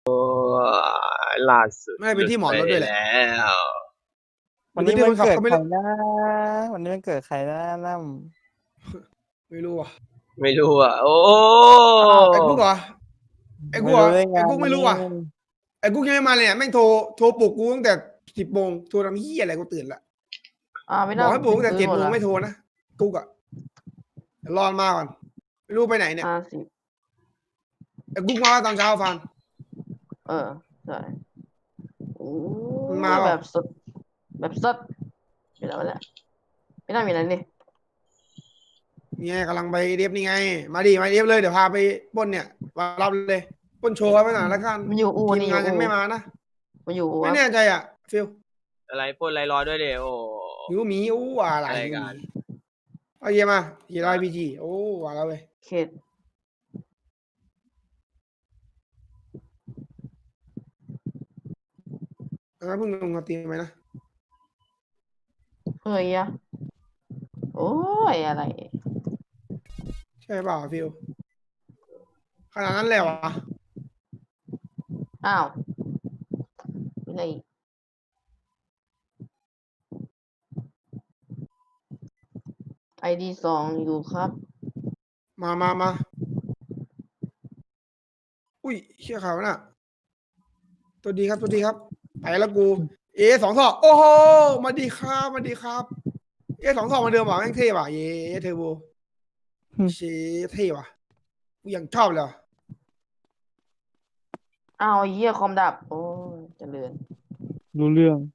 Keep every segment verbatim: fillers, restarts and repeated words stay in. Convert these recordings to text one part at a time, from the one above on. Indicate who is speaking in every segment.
Speaker 1: ล่าสุด
Speaker 2: ไม่เป็นที่หมอนรถด้วยแหละ
Speaker 1: แล้ว
Speaker 3: วันนี้มันเกิดใครนะวันนี้มันเกิดใครนะนั่ม
Speaker 2: ไม่รู้อ่ะ
Speaker 1: ไม่รู้อ่ะโอ้
Speaker 2: ไอ้กุ๊กเหรอไอ้กุ๊กเหรอไอ้กุ๊กไม่รู้อ่ะไอ้กุ๊กยังไม่มาเลยเนี่ยแม่งโทรโทรปลุกกูตั้งแต่สิบโมงโทรทำเหี้ยอะไรกูตื่นละ
Speaker 4: อ่าไม่
Speaker 2: บ
Speaker 4: น่า
Speaker 2: อกให้ปลุกตั้งแต่
Speaker 4: ซื้อ
Speaker 2: เจ็ดโมง
Speaker 4: หดละ
Speaker 2: ไม่โทรนะกุ๊กอ่ะเดี๋ยวรอมาก่อนไม่รู้ไปไหนเนี่ย
Speaker 4: ห้าสิบ
Speaker 2: ไอ้กุ๊กมาตอนเช้าฟัน
Speaker 4: เออใช่โอ้
Speaker 2: มันมาเปล่า
Speaker 4: แบบสด แบบสดไม่ได้ไม่ได้ไม่น่ามีอะไรนี่
Speaker 2: นี่ไงกำลังไปเรียบนี่ไง มาดิมาเรียบเลยเดี๋ยวพาไปปล้นเนี่ยมารับเลยปล้นโชว์ไว้หน่อยแล้วกัน
Speaker 4: มันอยู่อู
Speaker 2: ทีม
Speaker 4: นี่อง
Speaker 2: าน
Speaker 4: ยู่
Speaker 2: ยัง
Speaker 4: อู
Speaker 2: ไม่มานะ
Speaker 4: มันอยู่อู
Speaker 2: ไม่
Speaker 4: วะ
Speaker 2: แน่ใจอ่ะฟิล
Speaker 1: อะไรพ่นไรรอด้วยเดี๋ยวโอ้
Speaker 2: หิวหมีอู้อะไร
Speaker 1: อะไรกัน
Speaker 2: เอาเยี่ยมายี่ร้อยพีจีโอ้ว่าแล้วเว้ย
Speaker 4: เขต
Speaker 2: งั้นเพิ่งลงมาตีไหมนะ
Speaker 4: เฮ้ยอะโอ้ยอะไร
Speaker 2: ใช่เปล่าฟิลขนาดนั้นเลยเหรอวะ
Speaker 4: อ้าวมีอะไรอีกไอดีสองอยู่ครับ
Speaker 2: มามามาอุ้ยเชี่ยขาวน่ะ ตัวดีครับตัวดีครับไปแล้วกู เอสองศอกโอ้โหมาดีครับมาดีครับ เอสองศอกมาเดิมว่ะแม่งเท่ว่ะเย้เทอร์โบเชเท่ว่ะกูยังชอบเลยว่ะ
Speaker 4: อ้าวไอ้เหี้ยคอมดับ โอ้ยเจริญ
Speaker 3: รู้เรื่อง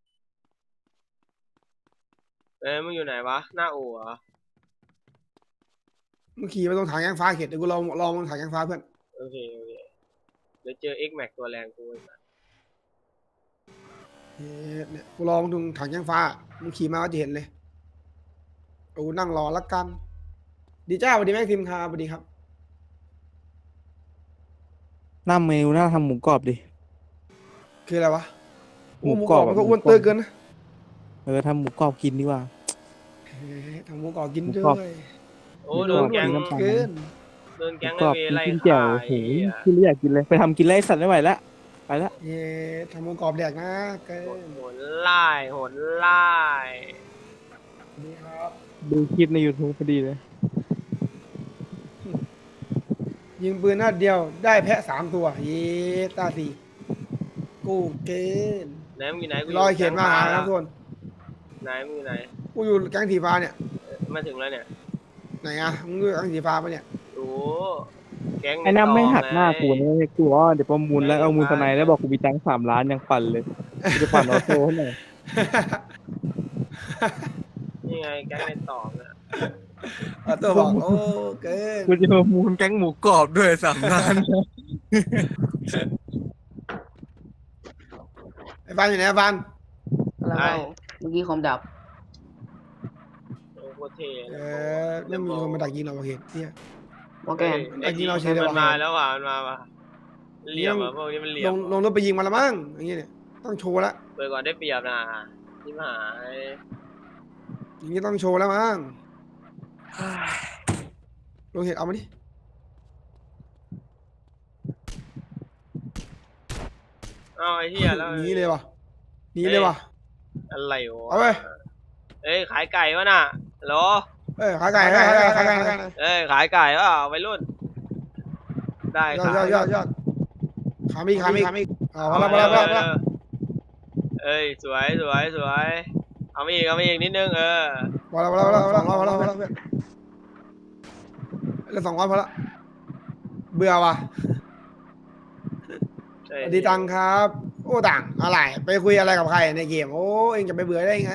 Speaker 1: เอ้ยมึงอยู่ไหนวะหน้าอู่เหรอ
Speaker 2: มึงขี่ไปตรงถังแกงฟ้าเข็ดเดี๋ยวกูลองลองตรงถังแกงฟ้าเพื่อน
Speaker 1: โอเคโอเคเดี๋ยวเจอ X Max ตัวแรงกูอีกนะ
Speaker 2: เฮ้ยเนี่ยกูลองตรงถังแกงฟ้ามึงขี่มาก็จะเห็นเลยโอ้นั่งรอละกัน ดีจ้าสวัสดีแม่พิมพ์ครับสวัสดีครับ
Speaker 3: หน้าเมนูหน้าทำหมูกรอบดิ
Speaker 2: คืออะไรวะโอ้
Speaker 3: ห
Speaker 2: ห
Speaker 3: มู
Speaker 2: มู
Speaker 3: ก
Speaker 2: ก
Speaker 3: ร
Speaker 2: ร
Speaker 3: อ
Speaker 2: อ
Speaker 3: บบ
Speaker 2: มันก็
Speaker 3: หมู
Speaker 2: อ้วน
Speaker 3: กรอบ
Speaker 2: เตยเกินนะ
Speaker 3: เออทำหมูกรอบกินดีกว่า
Speaker 2: เฮ้ยทำหมูกรอบกิน
Speaker 3: หมู
Speaker 2: ด้
Speaker 3: กรอบ
Speaker 2: วย
Speaker 1: โอ้โดนแก๊ง
Speaker 3: น้ำตาล
Speaker 2: เกิน
Speaker 1: โดน
Speaker 3: หมู
Speaker 1: แก๊ง
Speaker 3: กรอบ
Speaker 1: ไอเว
Speaker 3: กิน
Speaker 1: ไล่
Speaker 3: กินแจ่
Speaker 1: ฆ่าว
Speaker 3: โอ้โห
Speaker 1: ไอ้เหี้ย
Speaker 3: คือไม่อยากกินเลยไปทำกินไล่สัตว์ไม่ไหวแล้วไปละ
Speaker 2: เย้ทำหมูกรอบแดกนะเกิ
Speaker 1: โหน
Speaker 2: น
Speaker 1: โหนไล่โหนไล่
Speaker 2: นี่ครับ
Speaker 3: ดูคลิปใน YouTube พอดีเลย
Speaker 2: ยิงปืนนัดเดียวได้แพะสามตัว เย้ตาสีกูเกิน
Speaker 1: ไหนมึงอยู่ไหนกู
Speaker 2: ลอยเขียนมาหาครับทุกคน
Speaker 1: ไหนมึงอยู่ไหน
Speaker 2: กูอยู่แก๊งสีฟ้าเนี่ย
Speaker 1: มาถึงแล้วเนี่ย
Speaker 2: ไหนอ่ะมึงอยู่แก๊งสีฟ้าปะเนี่ย
Speaker 1: โอ้แก๊ง
Speaker 3: ไอ้น้ำไม่หักหน้ากู
Speaker 1: ไง
Speaker 3: นะกูว่าเดี๋ยวประมูลแล้วเอามูลทนายแล้วบอกกูมีตังค์สามล้านยังปั่นเลยกูจะปั่นออโต้ให้หน่อย
Speaker 1: นี่ไงแก๊งในต่อเนี่ย
Speaker 2: เอาตัวบอกโอ้เกิน
Speaker 3: กูจะประมูลแก๊งหมูกรอบด้วยสามล้าน
Speaker 2: ไอ้บ้านอยู่ไหนไอ้บ้าน
Speaker 4: อะไรวะเมื่อกี้คอมดับ
Speaker 1: โอ้โคตรเท่
Speaker 2: เออไม่มีคนมาดักยิงเราเห็นเนี่ย
Speaker 4: มอร์แกน
Speaker 1: ไอ้
Speaker 2: ยิ
Speaker 1: ที่
Speaker 2: งเราเฉยเลย
Speaker 1: มัน
Speaker 2: ว่ะ
Speaker 1: มาแล้วว่ะมันมาว่ะเหลี่ยมอ่ะพวกนี้มันเหลี่ย
Speaker 2: ล
Speaker 1: ม
Speaker 2: งลงรถไปยิงมาละมั้งอย่างเงี้ยเนี่ยต้องโชว์ละ
Speaker 1: เปิดก่อนได้เปรียบนะที่หาย
Speaker 2: อย่างงี้ต้องโชว์แล้วมั้งลงเห็ดเอามาดิ
Speaker 1: อ้าวไอ้เหี้ยแล้ว
Speaker 2: หนีเลยว่ะหนีเลยว่ะ
Speaker 1: อะไรวะ
Speaker 2: เอาไป
Speaker 1: เอ้ยขายไก่วะน่ะเหรอ
Speaker 2: เอ้ยขายไก่ขายไก่ขายไก่ขายไก่
Speaker 1: เอ้ยขายไก่วะวัยรุ่น ได้
Speaker 2: ยอด
Speaker 1: ขาย
Speaker 2: ยอดยอดยอดขามีขามีขามีเอาพอละพอละพอละพอละ
Speaker 1: เอ้ยสวยสวยสวยเอามาอีกเอามาอีกนิดนึงเออ
Speaker 2: พอละพอละพอละพอละพอละพอละเพื่อนเหลือสองร้อยพอละเบื่อว่ะ
Speaker 1: ใช่
Speaker 2: สวัสดีตังครับ โอ้ตังอะไรไปคุยอะไรกับใครในเกมโอ้เองจะไปเบื่อได้ไง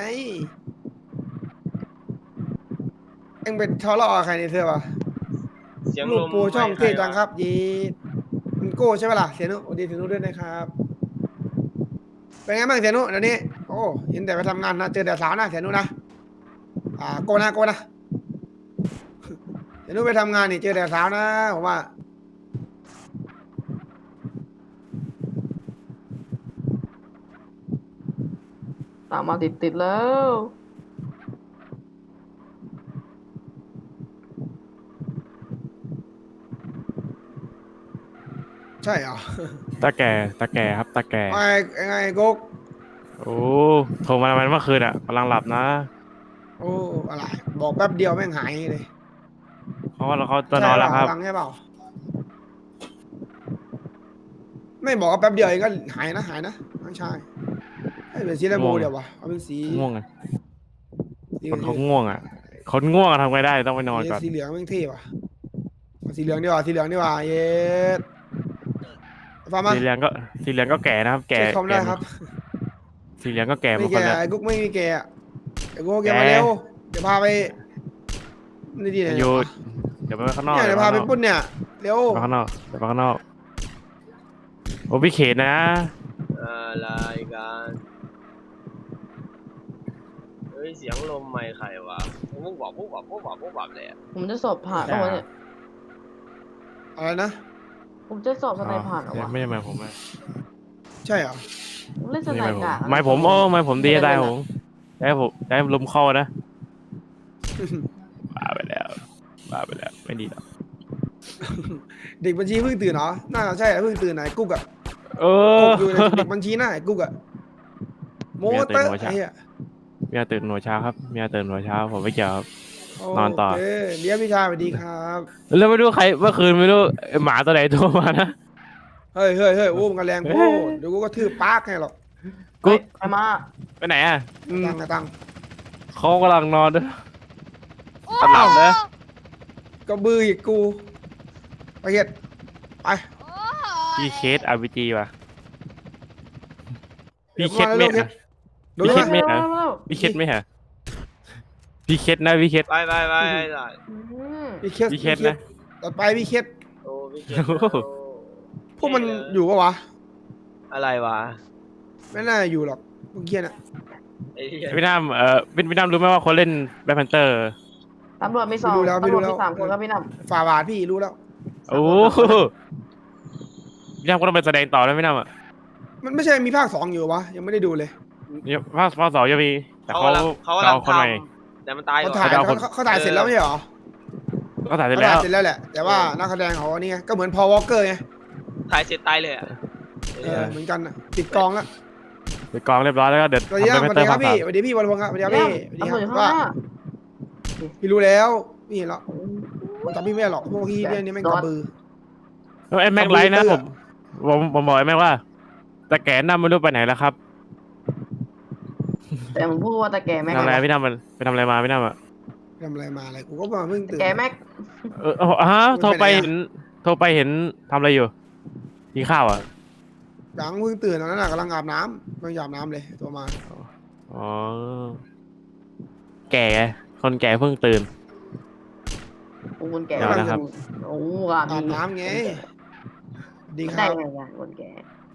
Speaker 2: เองไปทะเลาะกับใครในเสื้อวะ
Speaker 1: เสียง
Speaker 2: ลู
Speaker 1: ล
Speaker 2: ก
Speaker 1: ม
Speaker 2: ปูช่อง
Speaker 1: ไม่
Speaker 2: เท่จัง
Speaker 1: ใวะ
Speaker 2: ครับยีมันโก้ใช่ไหมล่ะเสียนุสวัสดีเสียนุด้วยนะครับเป็นไงบ้างเสียนุเดี๋ยวนี้โอ้เห็นแต่ไปทำงานนะเจอแต่สาวนะเสียนุนะอ่าโกนะโกนะเสียนุไปทำงานนี่เจอแต่สาวนะผมว่า
Speaker 4: ตามมาติดติดๆแล้ว
Speaker 2: ใช่เหรอ
Speaker 3: ตาแก่ตาแก่ครับตาแก่
Speaker 2: ไอ้ไอ้ไงกุ๊ก
Speaker 3: โอ้โทรมาทำไมเมื่อคืนอ่ะกำลังหลับนะ
Speaker 2: โอ้อะไรบอกแป๊บเดียวแม่งหายเลย
Speaker 3: เขาว่าเขาจะ
Speaker 2: ใช่
Speaker 3: นอน
Speaker 2: เป
Speaker 3: แล้ว
Speaker 2: ล่า
Speaker 3: ครับ
Speaker 2: พลังใช่เปล่าไม่บอกว่าแป๊บเดียวเองก็หายนะหายนะไม่ใช่ให้เป็นสีอะไรโบเดี๋ยววะเอาเป็นสี
Speaker 3: ง่วงอ่ะ
Speaker 2: สี
Speaker 3: คนเขาง่วงอ่ะคนง่วงอะทำไงได้ต้องไปนอนก่อน
Speaker 2: สีเหลืองแม่งเท่ว่ะเอาสีเหลืองดีกว่าสีเหลืองดีกว่าเย็ดฟังมา
Speaker 3: สีเหลืองก็สีเหลืองก็แก่นะครับ แก่
Speaker 2: เช็คคอมได้
Speaker 3: แก่
Speaker 2: ครับ
Speaker 3: สีเหลืองก็แก่หม
Speaker 2: ไม่
Speaker 3: ดค
Speaker 2: แก่
Speaker 3: นแล้ว
Speaker 2: ไอ้กุ๊กไม่มีแก่อะไอ้กุ๊กแก
Speaker 3: แก่
Speaker 2: มาเร็วเดี๋ยวพาไปนี่ดีไหน
Speaker 3: อยู่เดี๋ยวไปข้างนอก
Speaker 2: เนี่ยเดี๋ยวพาไปปุ้นเนี่ยเร็ว
Speaker 3: ไปข้างนอกเดี๋ยวไปข้างนอกโอ้พี่เขตนะ
Speaker 1: อะไรกันเฮ้ยเสียงลมไม่ใครวะปุ๊บวับปุ๊บวับปุ๊บวับปุ๊บวับเลยอะ
Speaker 4: ผมจะสอบผ่านแล้ววะเนี่ย
Speaker 2: อะไรนะ
Speaker 4: ผมจะสอบสไนผ่านเหรอวะ
Speaker 3: ไม่ใช่หมายผมนะ
Speaker 2: ใช่เหรอ
Speaker 4: ผมเล่นส
Speaker 3: ไม่
Speaker 4: ไน
Speaker 3: ใช่หมายผม
Speaker 4: กาก
Speaker 3: หมายผมโอ้หมายผมดีได้ผมได้ผมได้ลมเข้านะบ้าไปแล้วบ้าไปแล้วไม่ดีหรอก
Speaker 2: เด็กบัญชีเพิ่งตื่นเหรอน่าจะใช่เพิ่งตื่นไหนกุ๊กอะ
Speaker 3: เอ
Speaker 2: กุ๊
Speaker 3: อก
Speaker 2: อยู่ในเด็กบัญชีหน้าไอ้กุ๊กอะโมเตอร์ไอ้เหี้ย
Speaker 3: เมียตื่นหัวเช้าครับเมียตื่นหัวเช้าผมไม่เกี่ยวครับ นอนต่อ
Speaker 2: โเคเดี๋ยวพี่ชายสวัสดีครับ
Speaker 3: แล้วไม่รู้ใครเมื่อคืนไม่รู้ไอ้หมาตัวไหนโทรมานะ
Speaker 2: เฮ้ยเฮ้ยเฮ้ยโอ้มันกระแรงโพดเดี๋ยวกูก็ทืบปากให้หรอก
Speaker 3: กุ๊ก
Speaker 4: ไปมา
Speaker 3: ไปไหนอ่ะ
Speaker 2: ตังค์อะตังค์
Speaker 3: เขากำลังนอนด้วยตลับนะ
Speaker 2: ก็บืออีกกูไปเฮ็ดไป
Speaker 3: พี่เคสอาร์พีจีว่ะ
Speaker 2: เดี๋
Speaker 3: พี่
Speaker 2: ยว
Speaker 3: เคส
Speaker 2: มา
Speaker 3: ไม่
Speaker 2: เร็ว
Speaker 3: ฮะ
Speaker 2: โดน
Speaker 3: พี่
Speaker 2: ไห
Speaker 3: คิ
Speaker 2: ม
Speaker 3: ดไม่ พี่เคสไม่ฮะพี่เคสนะพี่เคส
Speaker 1: ไปไปไปไอ้สัส
Speaker 4: อืม
Speaker 2: พี่เคส
Speaker 3: พี่เคสนะ
Speaker 2: ต่อไปพี่เคส
Speaker 1: โอ้พี่เก
Speaker 3: โอ้โห
Speaker 2: พวกมันอยู่ปะวะ
Speaker 1: อะไรวะ
Speaker 2: ไม่น่าอยู่หรอกพวกเคียน่ะ
Speaker 1: ไอ้เหี้ย
Speaker 3: พี่น้ำเอ่อพี่พี่น้ำรู้ไหมว่าคนเล่นแบ็คแพนเตอร์
Speaker 4: ตำรวจมีสองตำรวจมีสามคนครับพี่น้ำ
Speaker 2: ฝ่าบาทพี่รู้แล้ว
Speaker 3: โอ้โหพี่น้ำก็ต้องไปแสดงต่อนะพี่น้ำอ่ะ
Speaker 2: มันไม่ใช่มีภาคสองอยู่วะยังไม่ได้ดูเลย
Speaker 3: เนี่ยภาคภาคสองจะมีแต่
Speaker 1: เขา
Speaker 3: เขา
Speaker 1: กำลังเขากำลั
Speaker 3: เอา
Speaker 1: ง
Speaker 3: คนใหม่
Speaker 1: ทำแต่มันตายก่
Speaker 2: เขา
Speaker 1: อน
Speaker 2: ถ่าย
Speaker 3: เขาจะเอาคน
Speaker 2: เขาเขาถ่ายเสร็จแล้วไม่ใช่เหรอ
Speaker 3: ก็ถ่ายเสร็จ
Speaker 2: เขา
Speaker 3: แล้
Speaker 2: ถ่ายว เสร็จแล้วแหละ แต่ว่านักแสดงเขานี่ไงก็เหมือนพอวอลเกอร์ไง
Speaker 1: ถ่ายเสร็จตายเลยอ่ะ
Speaker 2: เออเหมือนกันน่ะติดกองแล้ว
Speaker 3: ไปกองเรียบร้อยแล้วก็เดี๋ยว
Speaker 2: สวัสดี
Speaker 3: ทำ
Speaker 2: ค
Speaker 3: แบ็
Speaker 2: รับ
Speaker 3: ค
Speaker 2: ส
Speaker 3: แพ
Speaker 2: วัน ส
Speaker 3: เตอ
Speaker 2: ดี
Speaker 3: ร์
Speaker 2: ครั
Speaker 3: ภา
Speaker 2: บ
Speaker 3: ค
Speaker 2: พี่
Speaker 3: สาม
Speaker 2: สวัสดีครับพี่วันพงศ์ครับสวัสดีครับพี่สวัสดี
Speaker 4: ตำรวจอยู่
Speaker 2: ครับ
Speaker 4: ข้าง
Speaker 2: ว่า
Speaker 4: หน้า
Speaker 2: พี่รู้แล้วพี่เห็นแล้วจำพี่ไม่ได้หรอกพวกพี่เรื่องนี้แม่งกระบือ
Speaker 3: แล้วไอ้แม็กไลท์นะผมผมผมบอกไอ้แม็กว่าแต่แกนำไม่รู้ไปไหนแล้วครับ
Speaker 4: แต่ผมพูดว่าตะแก่แม็ก
Speaker 3: ทำอะไรพี่น้ำมันไปทำอะไรมาพี่น้ำอ่ะ
Speaker 2: ทำอะไรมาอะไรกูก็มาเพิ่งตื่น
Speaker 4: แก่แม็ก
Speaker 3: เออเอาฮะโทรไปเห็นโทรไปเห็นทำอะไรอยู่กินข้าวอ่ะ
Speaker 2: ยังเพิ่งตื่นตอนนั้นน่ะกำลังอาบน้ำกำลังอาบน้ำเลยตัวมา
Speaker 3: อ๋อแก่ไงคนแก่เพิ่งตื่น
Speaker 4: โอ้คนแก่
Speaker 3: เดี๋ยวนะครับ
Speaker 4: โอ้อาบ
Speaker 2: อาบน้ำไงดีค
Speaker 4: ได้
Speaker 2: รับ
Speaker 4: ไงวะคนแก่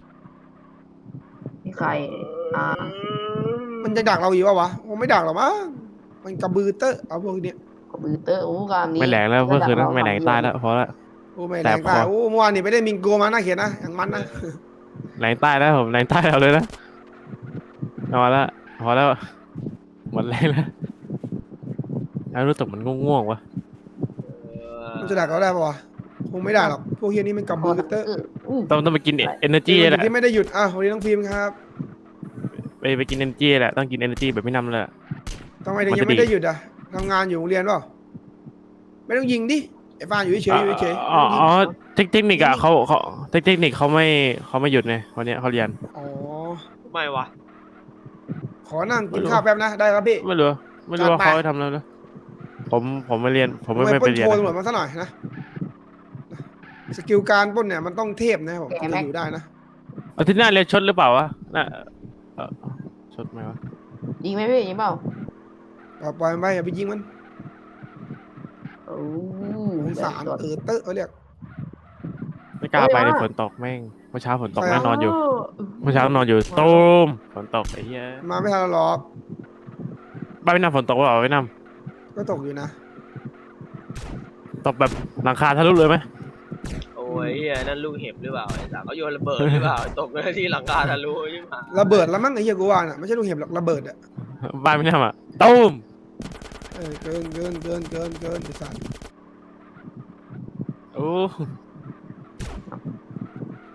Speaker 4: นี่ใครอ่า
Speaker 2: มันจะดักเราอยู่ปะวะคงไม่ดักหรอกมั้งมันกระบือเตอะเอาพวกเนี้ย
Speaker 4: คอมพิวเตอร์โอ้กามนี้
Speaker 3: ไม่แหลงแล้วเมื่อคืนนั้นไม่แหลงตายแล้วพอละ
Speaker 2: โอ้ไม่
Speaker 3: แส
Speaker 2: แร
Speaker 3: บ
Speaker 2: ง
Speaker 3: คอ
Speaker 2: ตายโอ้เมื่อวานนี่ไปได้มิงโกมาน่าเขียนนะอย่างมันนะ
Speaker 3: แหลงใต้แล้วผมแหลงใต้เอาเลยนะพอละพอแล้วหมดแรงแล้วแล้วรู้สึกมันง่วงๆวะ
Speaker 2: มันจะดักเราได้ปะวะคงไม่ได้หรอกพวกเฮียนี่มันกระบือเตอะ
Speaker 4: อู้
Speaker 3: ต้องต้องไปกินเอเนอร์จี
Speaker 2: เป็น
Speaker 3: แห
Speaker 2: วัน
Speaker 3: ละ
Speaker 2: ที่ไม่ได้หยุดอ่ะวันนี้ต้องพิมพ์ครับ
Speaker 3: ไปไปกินเอเนอร์จีแหละต้องกินเอเนอร์จีแบบพี่น้ำเลย
Speaker 2: ทำไมถึง
Speaker 3: มัน
Speaker 2: ยั
Speaker 3: จะ
Speaker 2: งไม่
Speaker 3: ดี
Speaker 2: ได้หยุดอ่ะทำงานอยู่โรงเรียนเปล่าไม่ต้องยิงดิไอ้ฟานอยู่เฉยๆอยู่เฉยๆ
Speaker 3: อ๋อ
Speaker 2: ไม่ต้องยิง
Speaker 3: อ๋อเทคเทคนิคอะเขาเขาเทคเทคนิคเขาไม่เขาไม่หยุดไงวันนี้เขาเรียน
Speaker 2: อ๋อ
Speaker 1: ไม่วะ
Speaker 2: ขอนั่งกินข้าวแป๊บนะได้ครับพี่
Speaker 3: ไม่รู้ไม่รู้ว่า
Speaker 2: จัดไป
Speaker 3: เขาให้ทำแล้วนะผมผมไม่เรียน ผมไม่
Speaker 2: ทำ
Speaker 3: ไม่
Speaker 2: ป
Speaker 3: ไป
Speaker 2: ล้น
Speaker 3: เรีย
Speaker 2: โช
Speaker 3: น
Speaker 2: ว์ตำรวจ
Speaker 3: นะ
Speaker 2: มาซะหน่อยนะสกิลการปล้นเนี่ยมันต้องเทพนะครับผมถึงจะอยู่ได้นะ
Speaker 3: อาทิตย์หน้าเรียนชดหรือเปล่าวะน่ะเอ่อชดไหมวะ
Speaker 4: ยิงไหมพี่ยิงเปล่า
Speaker 2: ปล่อยปล่อยมันไปอย่าไปยิงมัน
Speaker 4: โอ้
Speaker 2: สงสารเออเตอะเขาเรียก
Speaker 3: ไม่กล้าไปเลยฝนตกแม่งเมื่อเช้าฝนตกแน่นอนอยู่เมื่อเช้านอนอยู่ตูมฝนตกไอ้เหี้ย
Speaker 2: มาไม่ทันหรอก
Speaker 3: บ้านพี่น้ำฝนตกหรือเปล่าพี่น้
Speaker 2: ก็ตกอยู่นะ
Speaker 3: ำตกแบบหลังคาทะลุเลยไหม
Speaker 1: โอ้ยเหี้ยนั่นลูกเห็บหรือเปล่าไอ้สัสเขาโยนระเบิดหรือเปล่าตกเลยที่หลังคาทะลุใช่ไหม
Speaker 2: ระเบิดแล้วมั้งไอ้เหี้ยกูว่าน่ะไม่ใช่ลูกเห็บหรอกระเบิดอ่ะ
Speaker 3: บ้านพี่น้ำอะตูม
Speaker 2: เออเกินเกินเกินเกินเกินไอ้สัตว์
Speaker 3: โอ้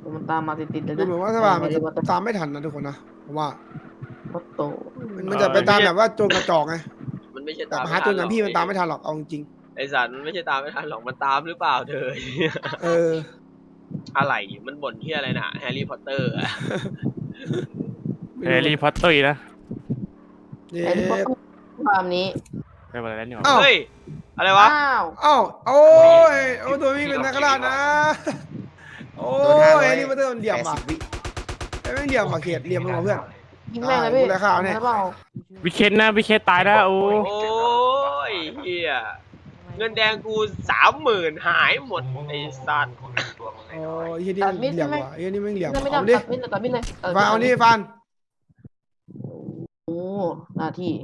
Speaker 4: มันตามมาติดๆเลย
Speaker 2: ดู
Speaker 4: นะ
Speaker 2: เหมือนว่าสภามันจะ
Speaker 4: วัต
Speaker 2: ตามไม่ทันนะทุกคนนะผมว่า
Speaker 4: โต
Speaker 2: มันมันจะไปตามแบบว่าโจรกระจอกไง
Speaker 1: มันไม่ใช่
Speaker 2: แต่
Speaker 1: ตาม
Speaker 2: หาโจรอย่างพี่มันตามไม่ทันหรอกเอาจริง
Speaker 1: ไอสัตว์มันไม่ใช่ตามไม่ทันหรอกมันตามหรือเปล่าเธอ
Speaker 2: ๆเออ
Speaker 1: อะไรมันบ่นที่อะไรนะแฮร์รี่พอตเตอร์อะ
Speaker 3: แฮร์รี่พอตเตอร์นะ
Speaker 2: เย้
Speaker 4: ไอ้ที่เขาต้องความนี้
Speaker 3: ไปหมดแล้วนี่หว่า
Speaker 2: อ้าว
Speaker 1: เฮ้ยอะไรวะ
Speaker 4: อ้าว
Speaker 2: เอ้าโอ้ยโอ้ตัวนี้เป็นนักล่านะ โอ้
Speaker 5: โดนห้าร้อย
Speaker 2: ยนี่มันเติมเหลี่ยมอ่ะ
Speaker 5: แปดสิบวิ
Speaker 2: ไอ้แม่งเหลี่ยมอ่ะเขียดเหลี่ยมมึงเหรอเพื่อน
Speaker 4: ยิงแม่งเลยพี่
Speaker 2: อ่าดูแลข่าวเนี่ย
Speaker 4: ใช่เปล่า
Speaker 3: วิเคนนะวิเคนตายนะโอ้
Speaker 1: โอ้ยเฮียเงินแดงกูสามหมื่นหายหมดไอสัตว์
Speaker 2: โอ้ยยี่นี่มันเหลี่ยมว่ะยี่นี่มันเหลี่ยม
Speaker 4: ไม่
Speaker 2: เอา
Speaker 4: ได้
Speaker 2: ดิ
Speaker 4: ตัดมิดเลยตัดมิดเลยตัดมิด
Speaker 2: ฟันเอานี่ฟัน
Speaker 4: โอ้หน้าที่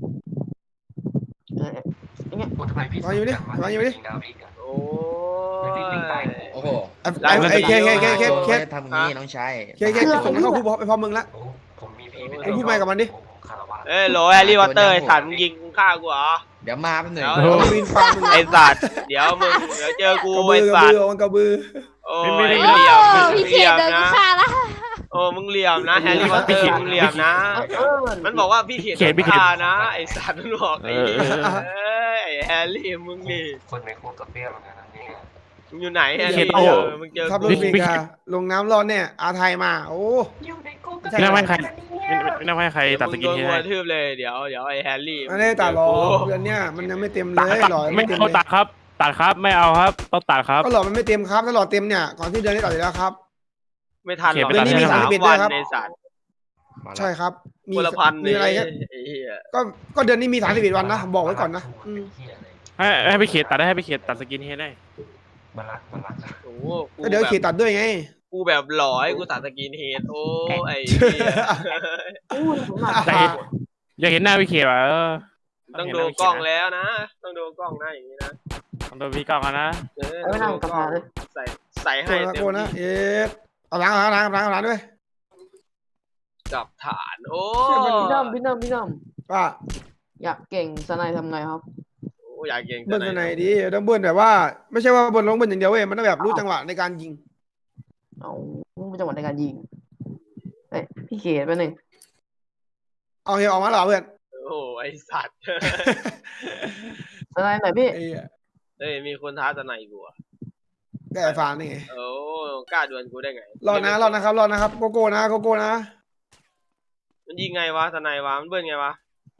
Speaker 4: เอออย่างเงี้ย
Speaker 2: ฟันอยู่ดิฟันอยู่ดิ
Speaker 1: โอ้ย
Speaker 5: โอ้โห
Speaker 2: ไอ้ไอ้ไอ้เคเคเคเคเค
Speaker 5: ทำอย่างนี้น้องชาย
Speaker 2: เคเคจะส่งมันเข้าคุกเพราะไปพร้อมมึงละมึงพูดไม่กับมันดิ
Speaker 1: เอ้ยโหลแฮร์รี่พอตเตอร์ไอสัตว์มึงยิงกูฆ่ากูเหรอ
Speaker 5: เดี๋ยวมาแป๊บหนึง
Speaker 1: เดี๋ยว
Speaker 2: เอาบินฟันมึง
Speaker 1: ไอสัตว์เดี๋ยวมึงเดี๋ยวเจอกู
Speaker 2: กระบื
Speaker 1: ไอ
Speaker 2: อกระ
Speaker 1: สัต
Speaker 2: บื
Speaker 1: ว์
Speaker 2: อมันกระบือ
Speaker 1: โอ้
Speaker 3: ไม่
Speaker 1: ย
Speaker 3: ไม่
Speaker 1: เห
Speaker 3: ไม่
Speaker 1: ลี่ยมมึง
Speaker 6: พี่
Speaker 1: เห
Speaker 6: เข
Speaker 1: ลี่ย
Speaker 6: ต
Speaker 1: ม
Speaker 6: เดิน
Speaker 1: นะ
Speaker 6: ฆ่าละ
Speaker 1: โอ้มึงเหลี่ยมนะแฮร์รี่พอตเตอร์มึงเหลี่ยมนะ
Speaker 4: เออ
Speaker 1: มันบอกว่าพี่เขียน
Speaker 3: เขียนพี่เขียน
Speaker 1: ฆ่านะไอสัตว์มันบอกไอ้เหี้ยเอ้ยไอ้แฮร์รี่มึงนี่
Speaker 7: คนในคุกกับเปี้ยเหมือนกันนะนี่
Speaker 1: มึงอยู่ไหนแฮร์
Speaker 3: เขีย
Speaker 1: รี่
Speaker 3: นโอ้
Speaker 1: เจอมึงเจอ
Speaker 2: ทับร
Speaker 1: กู
Speaker 2: ถเมกาลงน้ำร้อนเนี่ยอาไทยมาโอ้
Speaker 3: ไม่น่าให้ใครไม่ไม่น่าให้ใครตัดสกิน
Speaker 1: มึง
Speaker 3: ให้
Speaker 1: โดน
Speaker 3: ได้
Speaker 1: กระทืบเลยเดี๋ยวเดี๋ยวไอ้แฮร์รี่
Speaker 2: ไม่ได้ตัดหรอก
Speaker 1: มึง
Speaker 2: เดือนเนี้ยมันยังไม่เต็มเล
Speaker 3: ตัด
Speaker 2: ย
Speaker 3: ตัด
Speaker 2: หล่อ
Speaker 3: ไม่
Speaker 2: ไม่เต็ม
Speaker 3: เอา
Speaker 2: เลย
Speaker 3: ตัดครับ ตัดครับไม่เอาครับต้องตัดครับ
Speaker 2: ก็หล่อมันไม่เต็มครับถ้าหล่อเต็มเนี่ยก่อนที่เดือนนี้ตัดอยู่แล้วครับ
Speaker 1: ไม่ทันหรอก
Speaker 3: เขียนไปตัดให้
Speaker 1: สาม
Speaker 2: ให้
Speaker 1: วัน
Speaker 2: ครับ
Speaker 1: ในสัตว์
Speaker 5: มาแล้ว
Speaker 2: ใช่ครับ มี
Speaker 1: คนละพัน
Speaker 2: มีอะไร
Speaker 1: เนี่
Speaker 2: แค่
Speaker 1: ยไอ้เหี้ย
Speaker 2: ก็ก็เดือนนี้มีสามสิบเอ็ดวันนะบอกไว้ก่อนนะอืม
Speaker 3: ให้ให้ไปเขียนตัดได้ให้ไปเขียนตัดสกินให้ได้
Speaker 7: มารักมารัก
Speaker 1: โอ้โหกู
Speaker 2: ก็เดี๋ยว
Speaker 1: แบบ
Speaker 2: เขียนตัดด้วยไง
Speaker 1: กูแบบหล่อให้กูตัดสกินเฮดโอ้ไอ้เหี้ย
Speaker 4: อู้ผมหนัก
Speaker 3: แต่อยากเห็นหน้าพี่เขียนอ่ะเออ
Speaker 1: ต้องดูกล้องแล้วนะ ต้องดูกล้องนะอย่างนี้นะ
Speaker 3: ต้องดูพี่กล้องอะนะ
Speaker 1: เออ
Speaker 4: ไม่นั่งกับพาเลย
Speaker 1: ใส่ใส่
Speaker 2: โก
Speaker 1: ให้
Speaker 2: นะ
Speaker 1: เต็
Speaker 2: โก
Speaker 1: ม
Speaker 2: นะ
Speaker 1: ที่
Speaker 2: เอ๊ะเอาล้างเอาล้างเอาล้างเอาล้างด้วย
Speaker 1: กับฐานโอ้
Speaker 4: พี่น้ำพี่น้ำพี่น้
Speaker 2: ว่า
Speaker 4: ำอยากเก่งสไนทำไงครับ
Speaker 1: โอ้อยากเก่ง
Speaker 2: เบิ้ลตัวไหนดีต้องเบิ้ลแบบว่า ไม่ใช่ว่าเบิ้ลลงเบิ้ลอย่างเดียวเว้ยมันต้องแบบรู้จังหวะในการยิง
Speaker 4: เอาเป็นจังหวะในการยิงเอ้ยพี่เขตไปหนึ่ง
Speaker 2: เอาเฮียออกมาเหรอเพื่อน
Speaker 1: โอ้ไอสัตว์
Speaker 4: สไนไหนพี่
Speaker 2: ไอ้เหี้ย
Speaker 1: เฮ้ยมีคนท้าสไนกูอ่ะ
Speaker 2: ได้ไอ้ฟานนี่ไง
Speaker 1: โอ้กล้าดวลกูได้ไง
Speaker 2: รอดนะรอดนะครับรอดนะครับโกโก้นะโกโก้นะ
Speaker 1: มันยิงไงวะสไนวะมันเบิ้ลไงวะ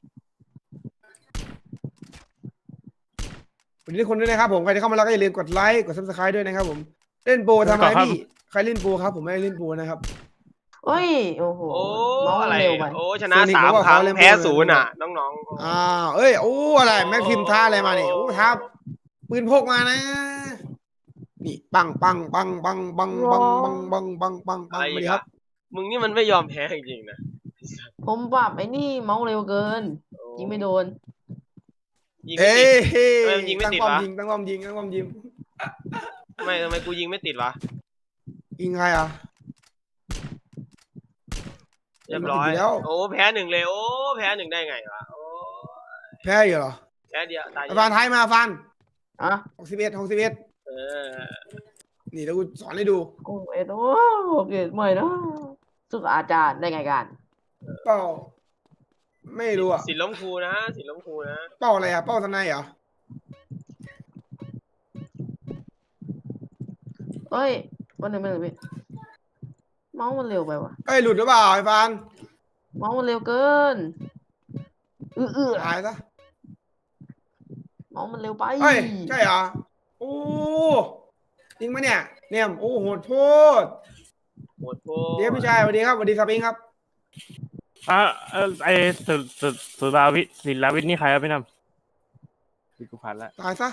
Speaker 2: วันนี้ทุกคนด้วยนะครับผมใครที่เข้ามาแล้วก็อย่าลืมกดไลค์กดซับสไครต์ด้วยนะครับผมเล่นโปรทำไมพี่ใครเล่นโปรครับผมไม่ได้เล่นโปรนะครับ
Speaker 4: เอ้ยโอ้โห
Speaker 1: โอ้
Speaker 4: น้อง
Speaker 1: อะไร
Speaker 4: เร็วไป
Speaker 1: โอ้ชนะ
Speaker 2: โซนิค
Speaker 1: สาม
Speaker 2: บอกว่า
Speaker 1: ครั้ง
Speaker 2: เขาเล่น
Speaker 1: แพ้
Speaker 2: เบอร์
Speaker 1: ศูนย์อ่ะ น้องๆ
Speaker 2: อ้าวเอ้ยโอ้อะไรแม็กพิมพ์ท่าอะไรมาเนี่ยโอ้ท้าปืนพกมานะ นี่ปังปังปังปังปังปังปังปังปังปังปั
Speaker 1: อะ
Speaker 2: ง
Speaker 1: ไร
Speaker 2: มา
Speaker 1: อี
Speaker 2: ดิ
Speaker 1: ก
Speaker 2: ครั
Speaker 1: อะ
Speaker 2: บ
Speaker 1: มึงนี่มันไม่ยอมแพ้จริงๆนะ
Speaker 4: ผมปรับไอ้นี่เมาส์เร็วเกิน
Speaker 1: โอ้
Speaker 4: ยิงไม่โดน
Speaker 1: ยิงไม่
Speaker 2: เอ้
Speaker 1: ติด
Speaker 2: ย
Speaker 1: ทำไมมันยิงไม่
Speaker 2: ตั้ง
Speaker 1: ติด
Speaker 2: ป้อม
Speaker 1: วะ
Speaker 2: ยิงตั้งป้อมยิงตั้งป้อมยิง
Speaker 1: ทำไมทำไมกูยิงไม่ติดวะ
Speaker 2: ยิงใครอ่ะ
Speaker 1: เรียบร้อย
Speaker 2: มันติดอยู่แล้ว
Speaker 1: โอ้แพ้หนึ่งเลยโอ้แพ้หนึ่งได้ไงวะโอ้
Speaker 2: แพ้อยู่เหรอ
Speaker 1: แพ้เดียวตาย
Speaker 2: ไอ้ฟานท้ายมาฟัน
Speaker 4: อ่ะ
Speaker 2: หกสิบเอ็ดหกสิบเอ็ด
Speaker 1: เออ
Speaker 2: นี่เดี๋ยวกูสอนให้ดู
Speaker 4: โอ้เอ็ดโอ้เกตใหม่นะสุดอาจารย์ได้ไงกัน
Speaker 2: เป้าไม่รู้อ่ะ
Speaker 1: สินล้มครูนะสินล้มครูนะ
Speaker 2: เป้าอะไรอ่ะเป้าทนายเหรอ
Speaker 4: เอ้ยวันหนึ่งวันหนึ่งพี่เมาส์มันเร็วไปว่ะ
Speaker 2: เอ้ยหลุดหรือเปล่าไอ้ฟาน
Speaker 4: เมาส์มันเร็วเกินเออเออ
Speaker 2: หายซะ
Speaker 4: เมาส์มันเร็วไป
Speaker 2: เฮ้ยใช่เหรอโอ้จริงไหมเนี่ยเนี่ยโอ้โหดโทษ
Speaker 1: โหดโพ
Speaker 2: เดี๋ยวพี่ชายสวัสดีครับสวัสดีครับเองครับ
Speaker 3: อ่ะเออไอสุดสุดสุดาวิศิลาวิทย์นี่ใครครับพี่น้ำพี่กูผ่านละ
Speaker 2: ตายซะ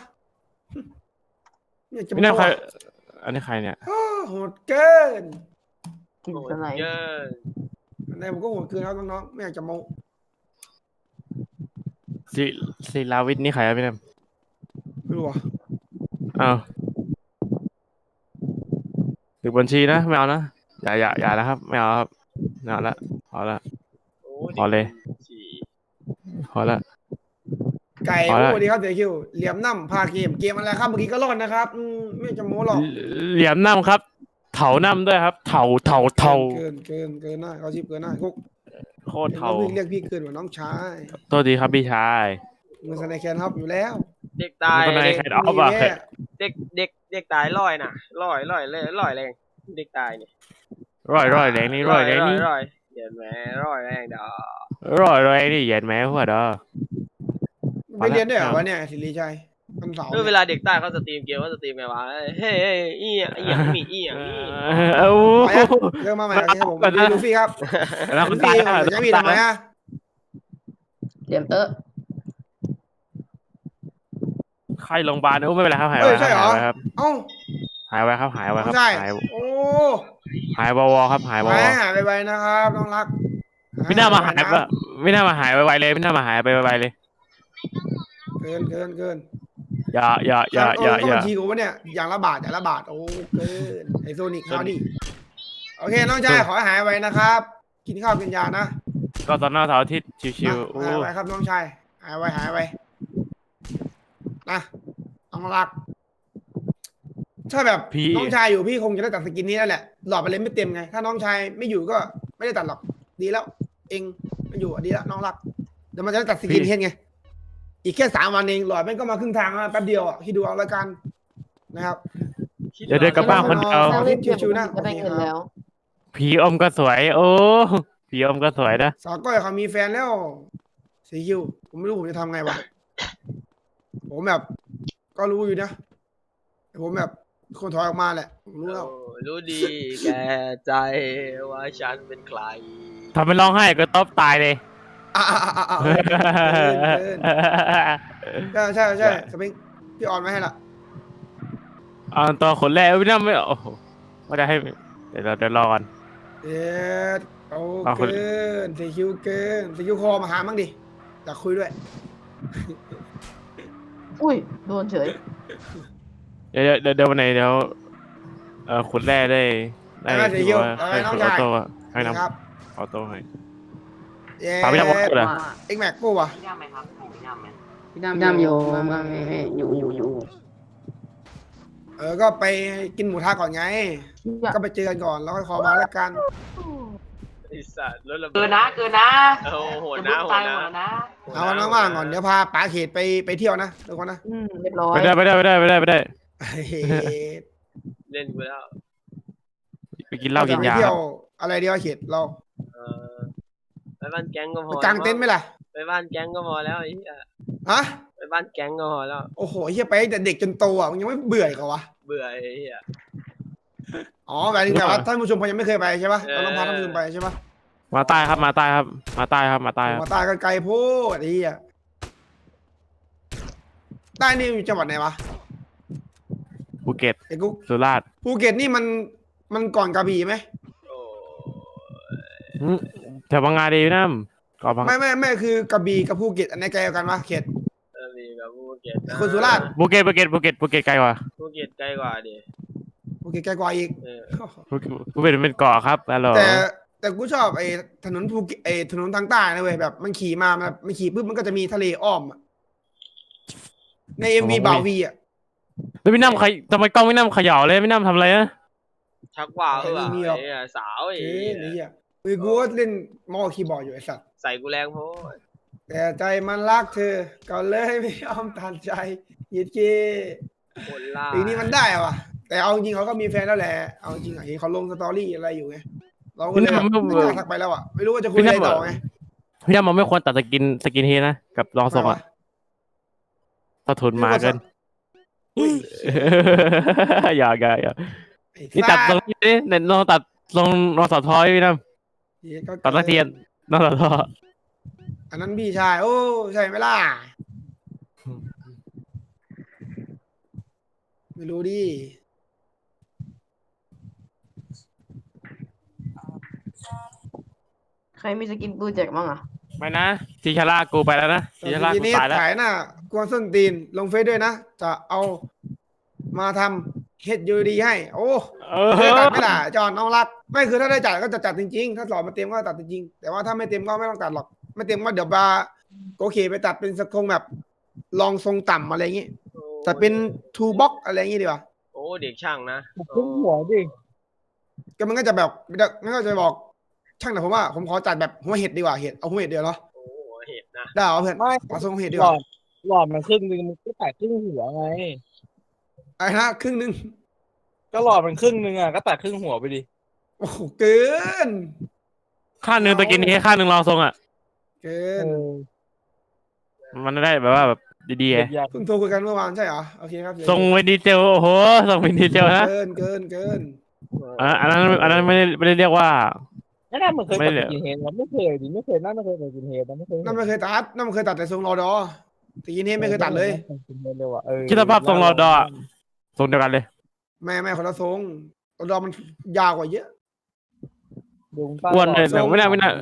Speaker 2: เนี่ยจะ
Speaker 3: พี่น้ำใคร
Speaker 2: บอก
Speaker 3: อันนี้ใครเนี่ย
Speaker 2: อ้าวโหดเกิน
Speaker 4: กิน
Speaker 1: โห
Speaker 4: ส
Speaker 1: ด
Speaker 4: ไน
Speaker 1: เยอะ
Speaker 2: ในผมก็โหดเกินครับน้องๆไม่อยากจะโม
Speaker 3: ศิศิลาวิทย์นี่ใครครับพี่น้
Speaker 2: ไม่รู้อ่ะ
Speaker 3: ำอ้าวถึงบัญชีนะไม่เอานะอย่าอย่าอย่านะครับไม่เอาครับไม่เอาละพอละ
Speaker 1: โอ้
Speaker 3: พอเลย
Speaker 1: สี่
Speaker 3: พอละ
Speaker 2: ไก่
Speaker 3: เอาละ
Speaker 2: สวัสดีครับเสียคิวเหลี่ยมน้ำพาเกมเกมอะไรครับเมื่อกี้ก็รอดนะครับอืมไม่อยากจะโมหรอก
Speaker 3: เหลี่ยมน้ำครับเถานำด้วยครับเถาเถาเถา
Speaker 2: เกินเกินเกินหน้าเขาชิบเกินหน้าคุก
Speaker 3: โคตร
Speaker 2: เห็น
Speaker 3: เถา
Speaker 2: ว่าพี่เรียกพี่เกินกว่าน้องชาย
Speaker 3: โทษทีครับพี่ชาย
Speaker 2: มือสไนแคนฮอปอยู่แล้ว
Speaker 1: เด็กตาย
Speaker 3: มันก็ใน
Speaker 1: เด็ก
Speaker 3: แคทออฟอะ
Speaker 2: มีแค่
Speaker 1: เด็กเด็กเด็กตายลอยน่ะลอยลอยเลยลอยแรงเด็กตายนี่
Speaker 3: ร่อยร่อยแรงนี่ร่อยแรงนี่
Speaker 1: ลอยเดี๋ยวแม่ลอยแรงดอก
Speaker 3: ร่อยแรงนี่เหยียดแม่หัวดอ
Speaker 2: ไปเรียนด้วยเหรอวะเนี่ยสิริชัยวันเสาร์
Speaker 1: เออเวลาเด็กใต้เขาสตรีมเกมเขาสตรีมไงวะเฮ้ยเฮ้ยอีอ่ะอีอ่ะมีอีอ่ะมี
Speaker 3: เอ้า
Speaker 2: ไปอะเริ่มมาใหม่ครับผมพี่ลูฟี่ครับ
Speaker 3: แล้วคุ
Speaker 2: ลู
Speaker 3: ณตา
Speaker 2: ฟี่
Speaker 3: ยแล้ว
Speaker 2: จะพี่ทำไมอะ
Speaker 4: เหลี่ยมเตอะ
Speaker 3: ไข้โรงพยาบาลโอ้ไม่เป็นไรครับหาย
Speaker 2: เฮ้
Speaker 3: ไว้
Speaker 2: ยใช่เหรอ
Speaker 3: ครับ
Speaker 2: เอ้า
Speaker 3: หายไว้ครับหายไว้ครับ
Speaker 2: ใช่
Speaker 3: หาย
Speaker 2: โอ้
Speaker 3: หายวอวครับหายวอ
Speaker 2: หายหายไปๆนะครับน้องรัก
Speaker 3: ไม่น่ามาหาย
Speaker 2: นะ
Speaker 3: ปะไม่น่ามาหายไวๆเลยไม่น่ามาหายไปไวๆเลย
Speaker 2: เกินเกินเกิน
Speaker 3: อย่าอย่าอย่าอย่า
Speaker 2: ต้
Speaker 3: อย่า
Speaker 2: องทีกูวะเนี่ยอย่างละบาทอย่างละบาทโอ้เกินไอโซนิกข้าวดิโอเคน้องชายขอให้หายไวนะครับ กินข้าวกินยานะ
Speaker 3: ก็ตอนหน้าเสาร์อาทิตย์ชิวๆโอ้
Speaker 2: หายไวครับน้องชายหายไวหายไวนะน้องรัก ถ้าแบบน้องชายอยู่พี่คงจะได้ตัดสกินนี้แล้วแหละหลอดไปเลยไม่เต็มไง ถ้าน้องชายไม่อยู่ก็ไม่ได้ตัดหรอกดีแล้ว เองไม่อยู่อ่ะดีแล้วน้องรักเดี๋ยวมันจะได้ตัดสกินเห็นไงอีกแค่สามวันเองหลอดแม่งก็มาครึ่งทางแล้วแป๊บเดียวอ่ะคิดดูเอาละกันนะครับ
Speaker 3: เดี๋ยวเดินกลับบ้านคนเดียว
Speaker 2: อา
Speaker 4: เล่นเกม
Speaker 2: ชิวๆนะ
Speaker 4: จะได้เงินแล้ว
Speaker 3: ผีอมก็สวย โอ้ผีอมก็สวยนะ
Speaker 2: สาวก้อยเขามีแฟนแล้วสีคิวผมไม่รู้ผมจะทำไงวะผมแบบ ก็รู้อยู่นะแต่ผมแบบคนถอยออกมาแหละผมรู้แล้ว
Speaker 1: โอ้รู้ดีแกใจว่าฉันเป็นใคร
Speaker 3: ทำเป็นร้องไห้ก็ตบตายเลย
Speaker 2: อ่ะอ่ะอ่ะอ่ะเกินเกินใช่ใช่ใช่สปริงพี่ออนไว้ให้ละ
Speaker 3: เอาตัวขนแรกไม่น่าไม่โอ้โหว่าจะให้เดี๋ยวเราเดี๋ยวรอก่อน
Speaker 2: เอ็ดเอา
Speaker 3: เอาคน
Speaker 2: เกินสีคิวเกินสีคิวคอมาหามั่งดิอยากคุยด้วย
Speaker 4: อุ้ยโดนเฉย
Speaker 3: เดี๋ยวเดี๋ยวเดี๋ยววันไหนเดี๋ยวเออขุดแร่ได้ได้
Speaker 2: ได้ไหม
Speaker 3: ถือ
Speaker 2: เดี๋ยว
Speaker 3: ว่า
Speaker 2: เอาไว้
Speaker 3: ให้
Speaker 2: น้อง
Speaker 3: ขุดออ
Speaker 2: ชาย
Speaker 3: โต้อะให้น
Speaker 2: ครับ
Speaker 3: ำออโต้ให้
Speaker 2: เย้
Speaker 3: ถามพี่นำว่าขุดอะ
Speaker 2: เอ็กแม็กกูวะ
Speaker 4: พี่น้ำอยู่มาอยู่อยู่อยู่
Speaker 2: เออก็ไปกินหมูทะก่อนไง ก็ไปเจอกันก่อนแล้วค่อยคอมาแล้วกัน
Speaker 1: ไอ้สัตว์รถระเบิด
Speaker 4: เกินนะเกินนะ
Speaker 1: โอ้โห
Speaker 4: จะ
Speaker 1: นะ
Speaker 4: บุก
Speaker 1: โห
Speaker 4: ตายห
Speaker 1: นะ
Speaker 4: มดแล้วนะ
Speaker 2: เอาวันว่างๆก่อนเดี๋ยวพาป๋าเขตไปไปเที่ยวนะทุกคนนะ
Speaker 4: อืมเรียบร้อย
Speaker 3: ไม่ได้ไม่ได้ไม่ได้ไม่ได้ไม่ได้
Speaker 2: เฮ้ย
Speaker 1: เล่นกูแล้ว
Speaker 3: ไปกินเหล้ากินยา
Speaker 2: ไปเที่ยวอะไรเดียวเขตเรา
Speaker 1: เออไปบ้านแก๊งก็พ
Speaker 2: ไป
Speaker 1: อก
Speaker 2: างเต็นท์ไหมล่ะ
Speaker 1: ไปบ้านแก๊งก็พอแล้วไอ้เหี้ย
Speaker 2: ฮะ
Speaker 1: ไปบ้านแก๊งก็พอแล้ว
Speaker 2: โอ้โหเฮียไปตั้งแต่เด็กจนโตอ่ะมึงยังไม่เบื่ออีกเหรอวะ
Speaker 1: เบื่อไอ้เหี้ย
Speaker 2: อ๋อหมายถึงแต่ว่าท่านผู้ชมยังไม่เคยไปใช่ปะ
Speaker 1: เออ
Speaker 2: เราต้องพาท่านผู้ชมไปใช่ปะ
Speaker 3: มาใต้ครับมาใต้ครับมาใต้ครับมาใต้ครับ
Speaker 2: มาตายกันไกลโพูดไอ้เหี้ยใต้นี่อยู่จังหวัดไหนวะ
Speaker 3: ภูเก็ต
Speaker 2: ไอ้กุ๊ก
Speaker 3: สุราษฎร์
Speaker 2: ภูเก็ตนี่มันมันก่อนกระบี่ไหม
Speaker 1: โอ้
Speaker 3: อืมแถวบางงาดีนะก่อนบาง
Speaker 2: ไม่ไม่ไม่คือกระบี่กับภูเก็ตอันไหนไกลกว่ากันวะเขต
Speaker 1: เออมีกับภูเก็ตนะ
Speaker 2: คนสุราษฎร์
Speaker 3: ภูเก็ตภูเก็ตภูเก็ตภูเก็ตไกลกว่า
Speaker 1: ภูเก็ตใกล้กว่าดิ
Speaker 2: ภูเก็ตไกลกว่าอีก
Speaker 1: เออ
Speaker 3: ภูเก็ตภูเก็ตเป็นเกาะครับฮัลโหล
Speaker 2: แต่แต่กูชอบไอ้ถนนภูเก็ตไอ้ถนนทางใต้นะเว้ยแบบมันขี่มามันมันขี่ปุ๊บมันก็จะมีทะเลอ้อมอะในเอ็มวีบ่าววีอ่ะ
Speaker 3: แล้วพี่น้ำใครทำไมกล้องพี่น้ำเขย่าเลยพี่น้ำทำอะไรนะ
Speaker 1: ชักว่าวเออ
Speaker 2: ไม่มีหรอก
Speaker 1: ไอ้เหี้ยสาวไอ้
Speaker 2: เอ้ย
Speaker 1: เหี้
Speaker 2: นี่
Speaker 1: ย
Speaker 2: อ่ะเฮ้ยกูก็เล่นมอคีย์บอร์ดอยู่ไอ้สัตว์
Speaker 1: ใส่กูแรงโพด
Speaker 2: แต่ใจมันรักเธอก็เลยไม่ยอมตัดใจยิดเก
Speaker 1: คนล่า
Speaker 2: ปีนี้มันได้อะว่ะแต่เอาจริงเขาก็มีแฟนแล้วแหละเอาจริงอะเห็นเขาลงสตอรี่อะไรอยู่ไงเราก็เลยแบบไม่กล้าทักไปแล้วอ่ะไม่รู้ว่าจะคุยอะไรต่อไง
Speaker 3: พี่น้ำมันไม่ควรตัดสกินสกินเฮดนะกับรองทรงอะถ้าทุนมาเกิน
Speaker 2: อุ้ย
Speaker 3: อย่าอย่าอย่า
Speaker 2: ไอ้
Speaker 3: นี่ตัดตรงนี้ดิเนี่ยลองตัดลองลองสอทอยพี่น้ำ
Speaker 2: เหี้ยก็
Speaker 3: ตัดตะเทียนลองสอทอ
Speaker 2: อันนั้นพี่ชายโอ้ใช่ไหมล่ะไม่รู้ดิ
Speaker 4: ใครมีสกินปืนแจกบ้างอ่ะ
Speaker 3: ไม่นะทีชาร่ากูไปแล้วนะทีชาร่า
Speaker 2: ที
Speaker 3: กู
Speaker 2: นี้
Speaker 3: ตายแล้ว
Speaker 2: ขายหน้ากวนส้นตีนลงเฟซด้วยนะจะเอามาทำเฮ็ดยูดีให้ โอ้
Speaker 3: เออ
Speaker 2: ได้ตัดไหม่ล่ะจอนน้องรักไม่คือถ้าได้จัดก็จะจัดจริงๆ ถ้าสอบมาเต็มก็ตัดจริงๆแต่ว่าถ้าไม่เต็มก็ไม่ต้องตัดหรอก ไม่เต็มก็เดี๋ยวบาโอเคไปตัดเป็นสกงแบบลองทรงต่ำอะไรอย่างงี้แต่เป็นทูบ็อกอะไรอย่างงี้ดีกว่า
Speaker 1: โอ้เด็กช่างนะ
Speaker 6: ครึ่งหัวดิ
Speaker 2: ก็มันก็จะแบบมันก็จะบอกช่างแต่ผมว่าผมขอจัดแบบหัวเห็ดดีกว่าเห็ดเอาหัวเห็ดเดียวเนาะ
Speaker 1: โอ้โหเห็นนะ
Speaker 2: ได้เอาเพื่อน
Speaker 6: ไม่
Speaker 2: เอาทรงเห็ดดี
Speaker 6: ห
Speaker 2: ก
Speaker 6: ลอ
Speaker 2: ว่า
Speaker 6: ดหลอดมันครึ่งนึงมันก็แตกครึ่งหัวไง
Speaker 2: ไอ้นะครึ่งหนึง
Speaker 6: ก็หลอดมันครึ่งนึงอ่ะก็แตกครึ่งหัวไปดิ
Speaker 2: โอ้โหเกิน
Speaker 3: ข้างหนึ่งตะกินนี้ข้างหนึ่งรองทรงอ่ะ
Speaker 2: เกิ
Speaker 6: เอน อ
Speaker 3: มันได้แบบว่าแบบดีๆไง
Speaker 6: อยาก
Speaker 2: เพิ่งโทรคุยกันเมื่อวานใช่เหรอโอเคครับ
Speaker 3: ทรงเวนดีเจลโอ้โหทรงเวนดีเจลนะ
Speaker 2: เกินเกินเกิน
Speaker 3: อันนั้นอันนั้นอันนั้นไม่ได้ไม่ได้เรียกว่า
Speaker 6: ไม่น่ามันเคย
Speaker 3: ไม่
Speaker 6: ตัด
Speaker 3: เหลือ
Speaker 6: กินเฮดมันไม่เคยดิไม่เคยน่าไม่เคยตัดกินเฮดนะไม่เคย
Speaker 2: นั่นไม่เคยตัดนั่นไม่เคยตัดแต่ทรงรอดอแต่ยินเนี้ไม่เคยตัดเลย
Speaker 6: กินเฮดเลยว่ะเออ
Speaker 3: คิดสภาพทรงรอดออะทรงเดียวกันเลย
Speaker 2: แม่แม่คนละทรงรอดอมันยาวกว่าเยอะ
Speaker 6: ดูใต้
Speaker 3: อ้วน
Speaker 6: หล
Speaker 3: เล
Speaker 6: อย ด
Speaker 3: แต่ไม่น่าไม่น่า